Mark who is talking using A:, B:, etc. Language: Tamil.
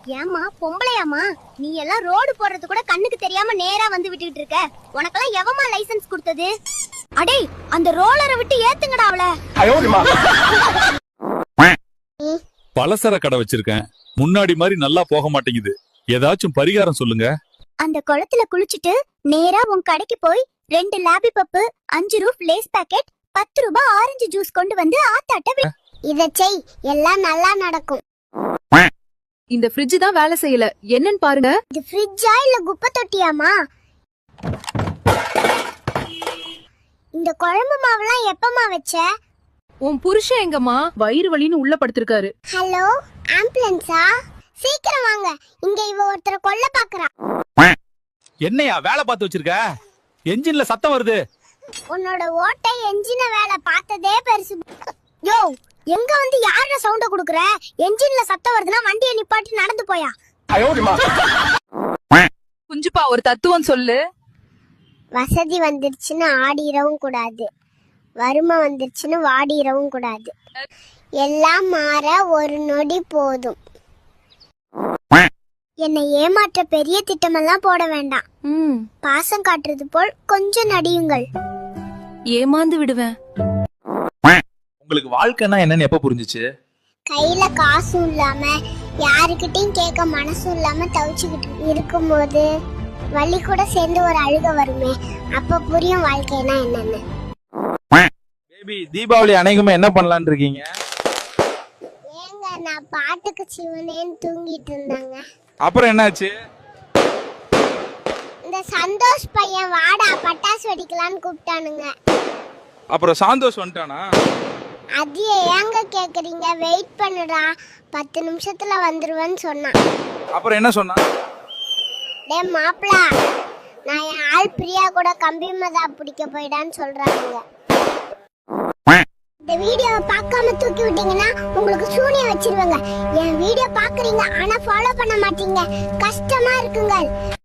A: ஏமா பொம்பளையாமா நீ எல்லாம் ரோடு போறது கூட கண்ணுக்கு தெரியாம நேரா வந்து விட்டுக்கிட்டு இருக்க. உனக்கெல்லாம் எவமா லைசென்ஸ் கொடுத்தது? அடே அந்த ரோலரை விட்டு ஏத்துங்கடா அவள.
B: பலசர கடை வச்சிருக்கேன், முன்னாடி மாதிரி நல்லா போக மாட்டேங்குது, ஏதாச்சும் பரிகாரம் சொல்லுங்க.
A: அந்த குளத்துல குளிச்சிட்டு நேரா உன் கடைக்கு போய் 2 லாபி பப்பு, 5 ரூப் லேஸ் பாக்கெட், 10 ரூபாய் ஆரஞ்சு ஜூஸ் கொண்டு வந்து ஆத்தாட்ட இத செய், எல்லாம் நல்லா நடக்கும்.
C: இந்த ஃப்ரிட்ஜ் தான் வேலை செய்யல, என்னன்னு பாருங்க.
A: இது ஃப்ரிட்ஜா இல்ல குப்பை தொட்டியாமா? இந்த குழம்பு மாவுலாம் எப்பமா வச்ச?
C: உன் புருஷன் எங்கம்மா? வயிறு வலின்னு உள்ள படுத்திருக்காரு.
A: ஹலோ, ஆம்புலன்ஸா? சீக்கிரம் வாங்க, இங்க இவ ஒருத்தர கொல்ல பாக்குறா.
B: என்னையா வேலை பார்த்து வச்சிருக்க? என்ஜின்ல சத்தம் வருது.
A: உன்னோட ஓட்டை என்ஜின வேலை பார்த்ததே பெருசு. யோ, எங்க வந்து யார சவுண்ட குடுக்குற? என்ஜின்ல சத்தம் வருதுன்னா வண்டியை நிப்பாட்டி நடந்து போயா.
C: குஞ்சுப்பா ஒரு தத்துவம் சொல்லு.
A: வசதி வந்துருச்சுன்னு ஆடிரவும் கூடாது, வறுமை வந்துருச்சுன்னு வாடிரவும் கூடாது. எல்லாம் மாற ஒரு நொடி போதும். என்னை ஏமாற்ற பெரிய திட்டமெல்லாம் போட வேண்டாம். பாசம் காட்டுறது போல் கொஞ்சம் நடியுங்கள்.
C: ஏமாந்து விடுவேன்.
D: உங்களுக்கு வாழ்க்கைனா என்னன்னு எப்ப புரிஞ்சுச்சு?
A: கையில காசும் இல்லாம யாருக்கிட்டையும் கேட்க மனசும் இல்லாம தவிச்சுக்கிட்டு இருக்கும்போது வலி கூட சேர்ந்து ஒரு அழுக வருமே, அப்ப புரியும் வாழ்க்கைனா என்னன்னு.
D: பேபி, தீபாவளி அனைக்குமே என்ன பண்ணலாம்னு இருக்கீங்க?
A: ஏங்க, நான் பாட்டுக்கு சிவனேன்னு தூங்கிட்டு இருந்தாங்க.
D: அப்புறம் என்னாச்சு?
A: இந்த சந்தோஷ் பையன் வாடா பட்டாசு வெடிக்கலான்னு கூப்பிட்டானுங்க.
D: அப்புறம் சந்தோஷ் வந்துட்டானா?
A: அது ஏங்க கேக்குறீங்க, வெயிட் பண்ணுடா 10 நிமிஷத்துல வந்துருவேன்னு சொன்னான்.
D: அப்புறம் என்ன சொன்னா?
A: டே மாப்பிள, நான் என் ஆள் பிரியா கூட கம்பி மதா பிடிக்க போயிடான்னு சொல்றாங்க. இந்த வீடியோவை பார்க்காம தூக்கி விட்டீங்கன்னா உங்களுக்கு சூனியம் வச்சிருவாங்க. என் வீடியோ பாக்குறீங்க ஆனா ஃபாலோ பண்ண மாட்டீங்க, கஷ்டமா இருக்குங்க.